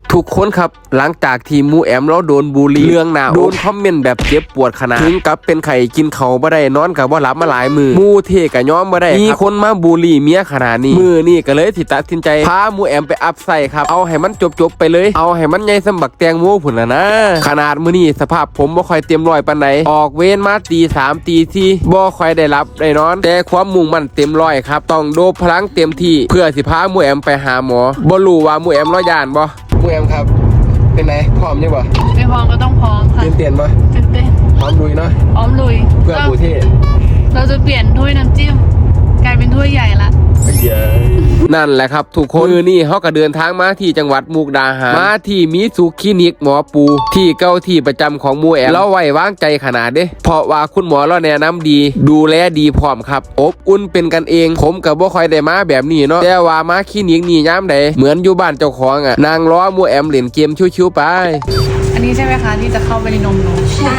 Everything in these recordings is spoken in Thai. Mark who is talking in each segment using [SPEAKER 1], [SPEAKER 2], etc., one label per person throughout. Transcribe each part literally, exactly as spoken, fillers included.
[SPEAKER 1] ทุกคนครับหลังจากที่มูแอมเราโดนบูลลี่เรื่องหนาวโดนคอมเมนต์แบบเจ็บปวดขนาดถึงกับเป็นไข่กินเขาบ่ได้นอนกับว่าหลับมาหลายมือมูเทกะย้อมบ่ได้มีคนมาบูลลี่เมียขนาดนี้มือนี่ก็เลยสิตัดสินใจพามูแอมไปอัพไซครับเอาให้มันจบๆไปเลยเอาให้มันใหญ่สมบักแตงโมพุ่นละนะขนาดมื้อนี้สภาพผมบ่ค่อยเต็มร้อยปานใดออกเวรมาตีสามตีสี่บ่ค่อยได้รับได้นอนแต่ความมุ่งมั่นเต็มร้อยครับต้องโดบพลังเต็มที่เพื่อสิพามูแอมไปหาหมอบ่รู้ว่ามูแอมรอยานบ่มูแอมครับเป็นไงพร้อมยังบ่
[SPEAKER 2] ไม่พร้อมก็ต้องพร้อมค่ะ
[SPEAKER 1] ตื่นเต้นบ่
[SPEAKER 2] ตื่นเต้น
[SPEAKER 1] พร้อมลุยเนาะ
[SPEAKER 2] พร้อมลุย
[SPEAKER 1] เพื่อบูเท่
[SPEAKER 2] เราจะเปลี่ยนถ้วยน้ำจิ้มกลายเป็นถ้วยใหญ่ละ
[SPEAKER 1] นั่นแหละครับทุกคนมือนี่เขาก็เดินทางมาที่จังหวัดมุกดาหารมาที่มิสุคลินิกหมอปูที่เก้าที่ประจำของมูแอมเราไว้วางใจขนาดเด้เพราะว่าคุณหมอเราแนะนำดีดูแลดีพร้อมครับอบอุ่นเป็นกันเองผมกับบ่ค่อยได้มาแบบนี้เนาะแต่ว่ามาคลินิกนี่ย้ำใดเหมือนอยู่บ้านเจ้าของอ่ะนางล้อมูแอมเล่นเกมชิวๆไป
[SPEAKER 2] อันนี้ใช่ไหมคะที่จะเข้าไปในนมหนู
[SPEAKER 3] ใช่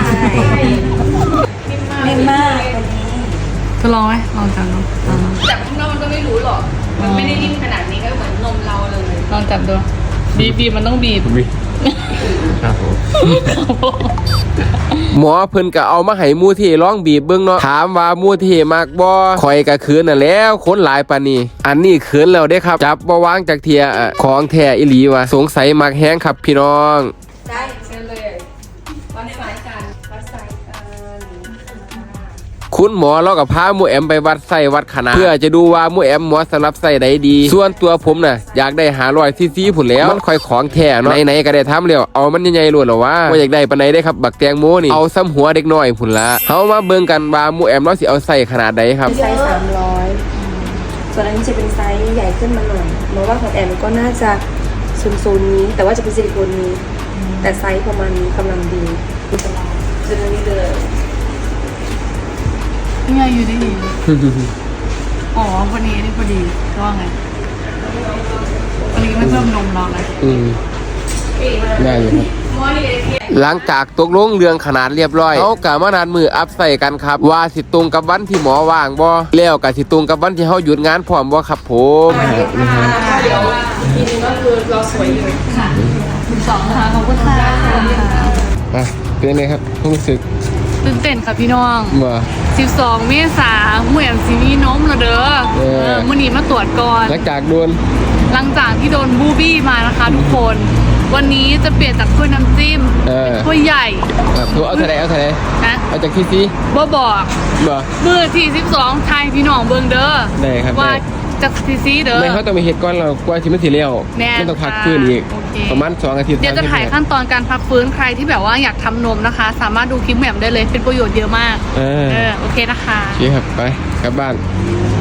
[SPEAKER 3] นิ่มมาก
[SPEAKER 2] จะลองไหมลองจับเนาะ
[SPEAKER 3] จับข้างนอกมันก็ไม่รู้หรอกมันไม่ได้นิ่มขนาดนี้ก็เหมือนนมเราเลย
[SPEAKER 2] ลองจับดูบีบบีบมันต้องบีบ
[SPEAKER 1] ครับผมหมอเพิ่นก็เอามาให้มูเทร้องบีบเบิ่งเนาะถามว่ามูเทมากบ่ข่อยก็คืนน่ะแล้วคนหลายปานนี้อันนี้คืนแล้วเด้ครับจับบ่วางจากเทียของแท้อีหลีว่ะสงสัยมักแฮงครับพี่น้อง
[SPEAKER 3] ได้เชิญเลยวัดสายกันวัดสายกัน
[SPEAKER 1] คุณหมอเรากับพามูแอมไปวัดไส้วัดขนาดเพื่อจะดูว่ามูแอมหมอสำหรับไส้ใดดีส่วนตัวผมน่ะอยากได้หาร้อยซีซีผุนแล้วมันค่อยของแท้เนาะไหนๆก็ได้ทำแล้วเอามันใหญ่ๆล้วนหรอวะว่าอยากได้ปานใดได้ครับบักแตงโมนี่เอาซ้ำหัวเด็กน้อยผุนละเฮามาเบิ่งกันว่ามูแอมเราสิเอาไส้ขนาดใดครับ
[SPEAKER 4] ไซส์สามร้อยส่วนอันนี้จะเป็นไซส์ใหญ่ขึ้นมาหน่อยเพราะว่าของแอมก็น่าจะโซนๆนี้แต่ว่าจะเป็นซิลิโคนนี้แต่ไซส์ประมาณนี้กำลังดีจะอันนี้เลย
[SPEAKER 2] นี่ไงอยู่ดีอ๋อพอดีนี่พอดีก็ว่าไงวันนี้ไม่เพิ่มนมเราเลย
[SPEAKER 1] อืมได้อยู่ครับหลังจากตกลงเรื่องขนาดเรียบร้อยเขากะมานัดมืออัพใส่กันครับว่าสิตรงกับวันที่หมอว่างบ่แล้วกะสิตรงกับวันที่เฮาหยุดงานพร้อมบ่ครับผม
[SPEAKER 3] เดี๋ยวทีนึงก็คือเราสวยอยู่ค่ะ
[SPEAKER 2] สองค่ะขอบคุณค่ะ
[SPEAKER 1] อ่ะเป็นไงครับรู้สึก
[SPEAKER 2] ตื่นเต้นค่ะพี่น้อง
[SPEAKER 1] ว่า
[SPEAKER 2] สิบสองเมษาหมูแอมซีมีนมแล้วเด้อเออมื้อนี้มาตรวจก่อน
[SPEAKER 1] หลังจากโดน
[SPEAKER 2] หลังจากที่โดนบูบี้มานะคะทุกคนวันนี้จะเปลี่ยนจากถ้วยน้ำจิ้มเป็นถ้วยใหญ่
[SPEAKER 1] ตัวเอาทะเลเอาทะเล
[SPEAKER 2] นะ
[SPEAKER 1] เอาจากที่ซี
[SPEAKER 2] บ่บอก
[SPEAKER 1] บ่
[SPEAKER 2] มื้อที่สิบสองไทยพี่น้องเบิ่งเด้อ
[SPEAKER 1] ได้ครับ
[SPEAKER 2] ว่าจากที่ซีเด้อ
[SPEAKER 1] ไม่เขาต้องมีเหตุก่อนเรากว่าที่มันสิเลี้ยวมันต้องพักฟื้นอีกประมาณสองอาทิตย์
[SPEAKER 2] เดี๋ยวจะถ่ายขั้นตอนการพักฟื้นใครที่แบบว่าอยากทำนมนะคะสามารถดูคลิปแหม่มได้เลยเป็นประโยชน์เยอะมากเออโอเคนะคะ
[SPEAKER 1] โอเคครับไปกลับบ้าน